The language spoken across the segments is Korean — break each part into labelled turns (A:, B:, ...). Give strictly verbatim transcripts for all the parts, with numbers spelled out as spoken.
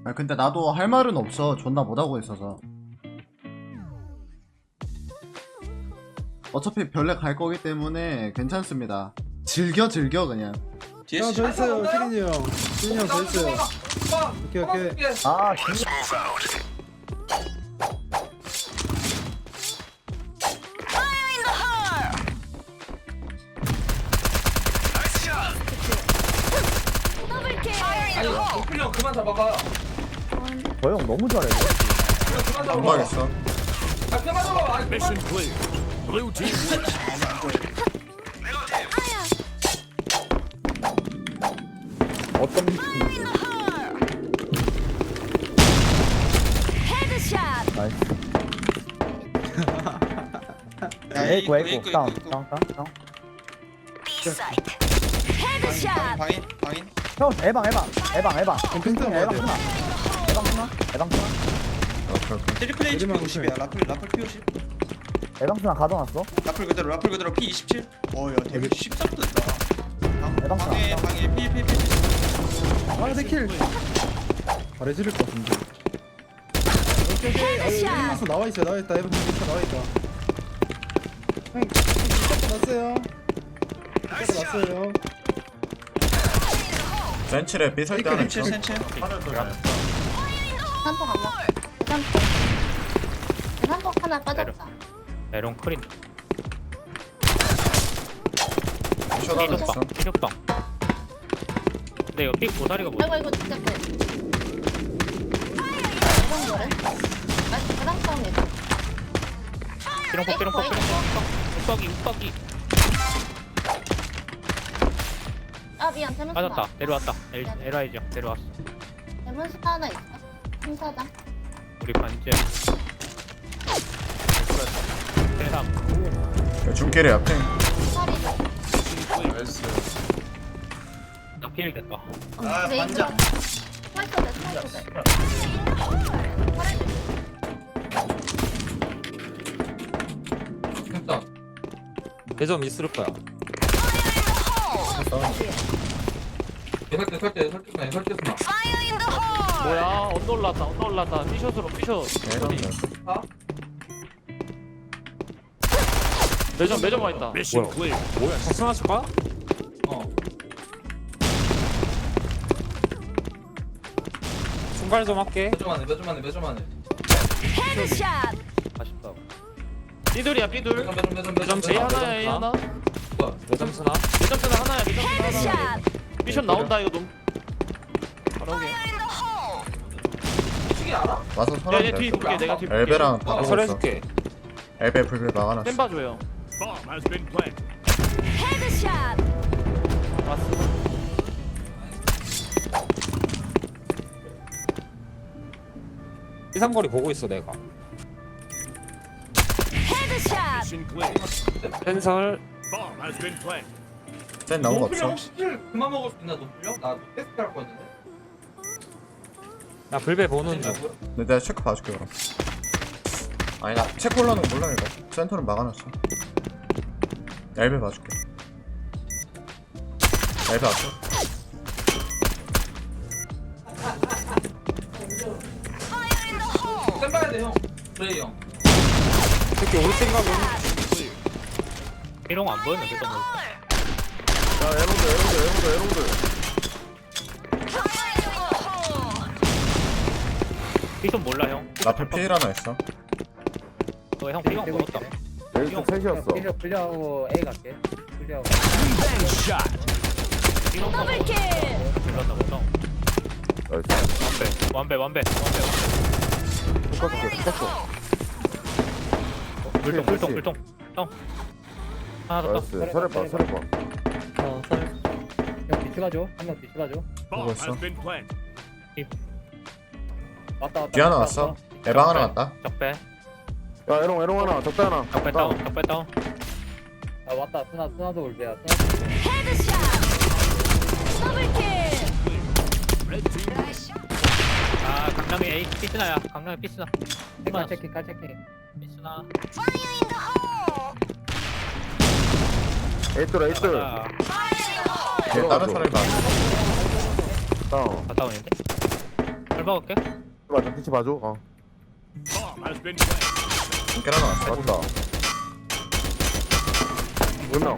A: 아 근데 나도 할 말은 없어. 존나 못하고 있어서. 어차피 별내 갈 거기 때문에 괜찮습니다. 즐겨 즐겨 그냥.
B: 형 저 있어요 시린이 형 시린이 형 저 있어요. 오케이 오케이.
C: 아 진짜
D: 아니 노플형 그만 잡아봐.
C: 저 형 너무 잘해.
D: 그냥 그만
A: 안
D: 잡아봐.
A: 가겠어.
D: 아 그만 잡아. 아니 그만.
C: 어떤 미친인지. 나이스. 에이구 에이구 다운 다운 다운 다운.
E: 방인 방인
C: 형 에방 에방 에방 에방.
B: 핑크
C: 에방
B: 먹어야 돼요.
C: 쓰나? 에방 쓰나? 에방 쓰나?
A: 오케이 오케이.
E: 트리플 H
B: 내리막
E: 피 오십이야 라플 라플 피 오십
C: 에방 쓰나 가져놨어?
E: 라플 그대로 라플 그대로 피 이십칠 어야 데뷔 십삼 떴다
C: 대박
E: 방에
C: 나왔다.
E: 방에 피피피
B: 아 내킬. 잘해줄 것 같은데. 오케이 오케이. 아 일리마스 나와 있어요 나와 있다. 에방 진짜 나와 있다. 형 진짜 났어요. 진짜 났어요.
A: 센치레 삐설 때 하나 있어.
E: 센치 센치
A: 하늘 돌려.
F: 산통 안 먹어. 산통. 산통 하나 빠졌다.
G: 에롱 크린
A: 삐설 하나 있어.
G: 피격방. 근데 이거 픽 고사리가 뭐야?
F: 아이고 이거 진짜 그. 이런 거래? 아, 그랑 싸움이다.
G: 삐롱폭 삐롱폭 삐롱폭 욱박이 욱박이
F: 아 미안 대문스
G: 빠졌다. 내려왔다. 엘, 에라이죠. 내려왔어.
F: 대문스 하나 있어. 행사장.
G: 우리 반지 대삼
A: 야, 중길에 앞에.
F: 사리도.
A: 나이스.
G: 나 피일 됐다.
E: 아, 반장.
F: 스파이터 돼 스파이터 돼.
D: 됐다.
H: 대점 있을 거야.
D: 설대 설대 설대 설대 설대.
G: 뭐야? 언더 올랐다. 언더 올랐다. 피숏으로 피숏.
D: 아?
G: 매점 매점 와 있다.
H: 뭐야? 뭐야? 작성하실 거야?
D: 어.
H: 중발 좀 할게.
D: 몇 점 안에 몇 점 안에 몇 점 안에.
G: 아쉽다. 삐둘이야 삐둘.
D: 몇점 몇점 몇점 몇점
G: A 하나야 A 하나.
H: 대점 쓰나?
G: 매점 쓰나 하나야 매점 쓰나 하나. 피숏 나온다 이거 놈. 바로 오게.
D: 미치기 알아?
A: 와서
G: 야,
A: 서랍
G: 얘 뒤 볼게. 내가 뒤 볼게.
A: 엘베랑 다 보고 있어.
H: 설해줄게.
A: 엘베 불빛 막아놨어.
G: 쌤 봐줘요. 왔어.
H: 이삼거리 보고 있어 내가. 펜설.
A: 센 나온 거
D: 노플형
A: 없어.
D: 혹시 킬 그만 먹을 수 있나 노플형? 나 테스트 할 거였는데.
H: 나 불배 보는 중.
A: 근데 내가 체크 봐줄게 그럼. 아니 나 체크 올라오는 거 몰라 이거. 센터는 막아놨어. 엘베 봐줄게. 엘베 왔어.
D: 쌤 봐야 돼 형. 브레이 형.
H: 특히 우리 생각은
G: 이런 거 안 보였는데 너무.
C: 야 에롱드 에롱드 에롱드 에롱드.
G: 피숏 몰라 형.
A: 라플 피일 하나 있어.
G: 너형 피경 먹었다.
C: 에이스 셋이었어.
B: 클리어하고 A 갈게. 클리어하고.
G: 피경 먹었다. 몰랐나 보다.
C: 나이스.
G: 완배 완배 완배 완배.
C: 똑같게 똑같어.
G: 물통 물통 물통. 형. 하나 더.
C: 나이스. 설해 봐 설해 봐.
B: 어 설. 형 뒤치 봐줘. 한명 뒤치 봐줘.
A: 보고 있어.
B: 왔다 왔다.
A: 뒤 하나 왔어. 에방 하나 왔다.
G: 적배.
C: 야 에롱 에롱 하나 적대 하나.
G: 적배 다운. 적배 다운.
B: 아 왔다. 스나 스나도 올게야.
G: 아 강남이 A 피스나야. 강남이 피스나.
B: 칼 체킹 칼 체킹.
G: 피스나.
C: 에이돌 에이돌.
G: 아,
A: 뒤에 다른 사람이 봐.
C: 다운.
G: 갔다 오는데. 잘 박을게.
C: 맞아 피치 봐줘 어
A: 깨나 나왔어.
C: 맞다 물명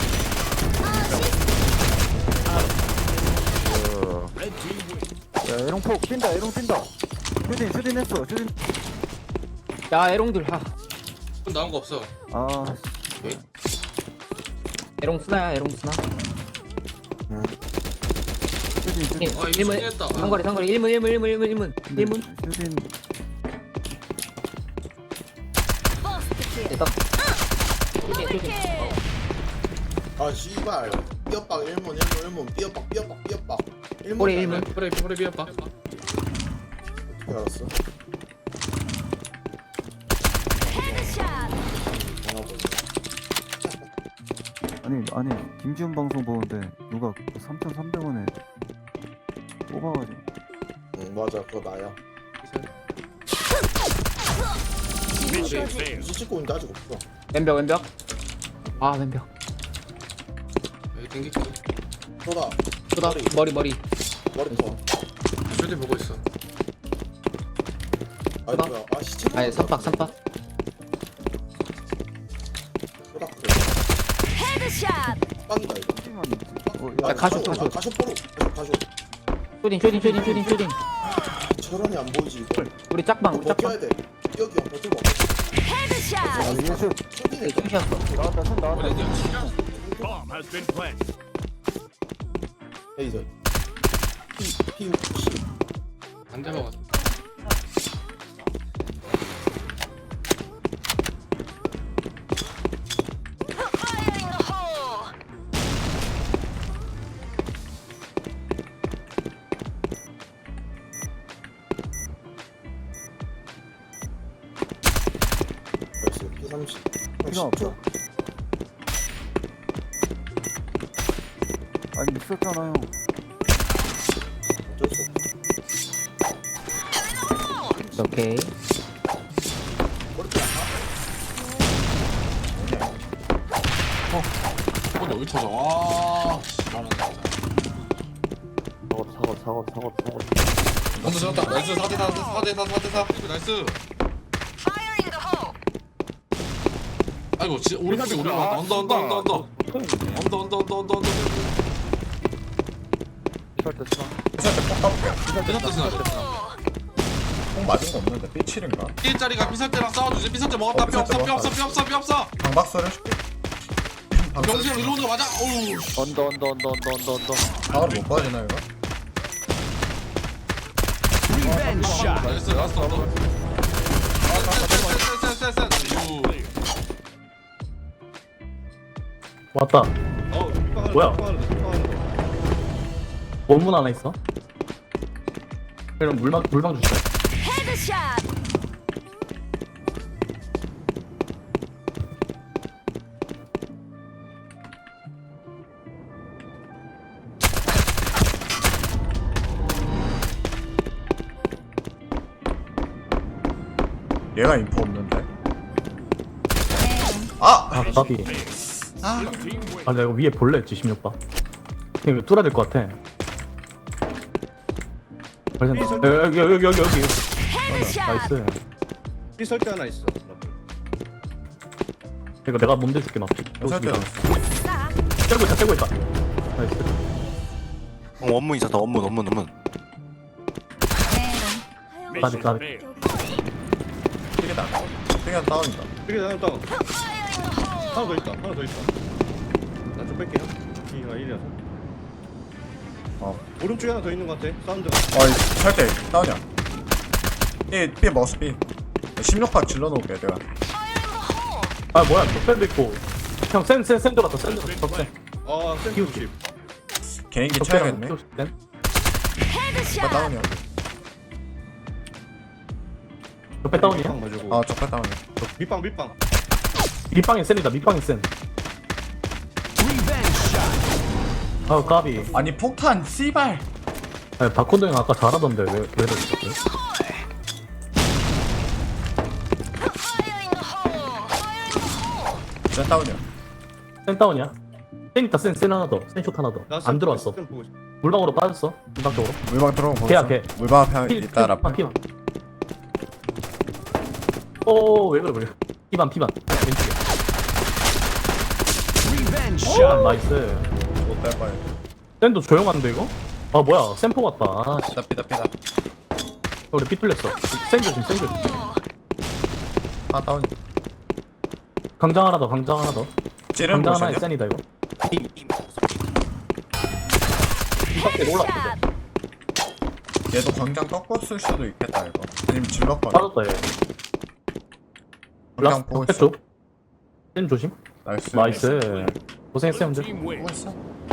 C: 야 에롱폭 뛴다 에롱 뛴다 슈딘 슈딘 했어 슈딘
H: 야 에롱들 하
E: 좀 나온 거 없어.
C: 아
H: 에롱 스나야 에롱 스나
C: 슈딘 슈딘
E: 아 이거
H: 일문
E: 했다.
H: 상거리 상거리 일문 일문 일문 일문 일문 일문
C: 슈딘
H: 됐다 쇼딘 쇼딘
I: 아 씨발 삐엇박 일문 일문 일문 삐엇박 삐엇박 삐엇박 일문
H: 꼬리 일문
E: 그래 그래 비었다.
I: 어떻게 알았어?
C: 아니 아니 김지훈 방송 보는데 누가 삼천삼백 원에 뽑아가지고
I: 응 맞아 그거 나야 유지 찍고 있는데 아직 없어
H: 왼벽 왼벽 아 왼벽
E: 여기 땡기지.
I: 쏘다
H: 쏘다 머리 머리
I: 머리 터
E: 쇼딘 보고 있어.
I: 아니
H: 쏘다.
I: 뭐야 아 시체
H: 아니 삼박 삼박
I: 쏘다 그래 빵이다 이거
C: 어,
H: 야, 가쇼, 가쇼.
I: 가쇼 포로 가쇼 가쇼
H: 쇼딘 쇼딘 쇼딘 쇼딘 쇼딘
I: 저런이 안 보이지 이거
H: 우리 짝방 우리 짝방
I: 버텨야 돼 여기 안 버텨봐
C: 아 이게 슛
I: 쇼딩에
H: 춤이었어
C: 나왔다 슛 나왔다
I: 레이저 피 피
E: 안돼 먹었어.
I: 벌써 피 삼십
C: 필요 없어 아니 있었잖아요
I: 어쩔 수 없어
H: 오케이
E: 어 여기 터져. 와. 씨발은 진짜.
C: 사고 사고 사고 사고 사고
E: 먼저 잡았다. 나이스 사 대 사 사 대 사 사 대 사. 나이스. 아이고 진짜 오른쪽에 우리 왔다. 언더 언더 언더 언더. 언더 언더 언더 언더 언더.
C: 이럴 때 쓰나
A: 피살 때폭 까볼게.
E: 피살 때 쓰나?
A: 폭 맞은 거 없는데 삐칠인가?
E: 일자리가 피살 때랑 싸워주지. 피살 때 먹었다.
A: 어,
E: 뼈
A: 피살
E: 없어
A: 때
E: 뼈 없어 뼈 없어 뼈 없어.
A: 방박소를 해줄게.
E: 병신형 일로 오는 거 맞아? 어우. 씨.
C: 언더 언더 언더 언더 언더 언더
A: 방으로 못 빠지나 이거?
E: 나이스 라스트 언더. 셋셋셋셋셋.
B: 왔다.
D: 어,
B: 뭐야? 원문 하나 있어? 그럼 물방 물방 주세요.
A: 얘가 인포 없는데. 아!
B: 아 까비. 아, 아 내가 이거 위에 볼래 했지 십육 번. 이거 뚫어야 될 것 같아. 벌써 여기 여기 여기 여기 여기. 나이스.
D: 삐 설때 하나 있어.
B: 이거 내가 몸대 줄게 막.
A: 설때
B: 떼고 있다 떼고 있다. 나이스.
I: 원문 있었다 원문 원문 원문
B: 까비 까비.
A: 삐개다. 삐개다 다운이다.
D: 삐게 하나 다운. 하나 더 있다. 하나 더 있다. 나 좀 뺄게요. B가 일이라서.
A: 어.
D: 오른쪽에 하나 더 있는 것 같아. 사운드.
A: 어이 설때 다운이야. 삐, 삐 먹었어 삐. 십육 파 질러놓을게 내가.
B: 아 뭐야 덕센도 있고. 형센센센 들어갔다 센 들어갔다 덕센.
D: 아, 센트 오십.
A: 개인기 쳐야겠네.
B: 센.
A: 적가 다운이야.
B: 옆에 다운이야?
D: 밑방 봐주고.
A: 아 적가 다운이야.
D: 밑방 밑방.
B: 밑방에 센이다 밑방에 센. 아 까비.
A: 아니 폭탄 씨발.
B: 아니 박콘도 형 아까 잘하던데 왜 왜 그랬어?
A: 센 다운이야.
B: 센 다운이야? 센 있다 센 센 하나 더. 센 숏 하나 더.
D: 나
B: 안 들어왔어.
D: 센 보고 있어.
G: 물방으로 빠졌어. 물방 쪽으로.
A: 물방 들어오고 보고
G: 걔야,
A: 있어.
G: 걔.
A: 물방 앞에
G: 피,
A: 있다 라플.
G: 피만, 피만. 오왜 그래 그래. 피반 피반. 왼쪽에. 오 나이스.
A: 못될 거야.
G: 샌도 조용한데 이거? 아 뭐야 샘포 같다. 아, 씨.
A: 삐다 삐다 삐다.
G: 우리 피 뚫렸어. 샌 조심 샌 조심.
A: 아 다운.
G: 강장 하나 더 강장 하나 더.
A: 찌르는
G: 강장 하나에
A: 모션이야?
G: 샌이다 이거. 이, 이, 이 밖에 올라왔는데.
A: 얘도 광장 꺾었을 수도 있겠다 이거. 아니면 질렀거든.
G: 빠졌다 얘.
A: 광장
G: 라스트
A: 보고 있어.
G: 쪽. 샌 조심.
A: 나이스.
G: 나이스. 고생했어 형들.
A: 보고 있어.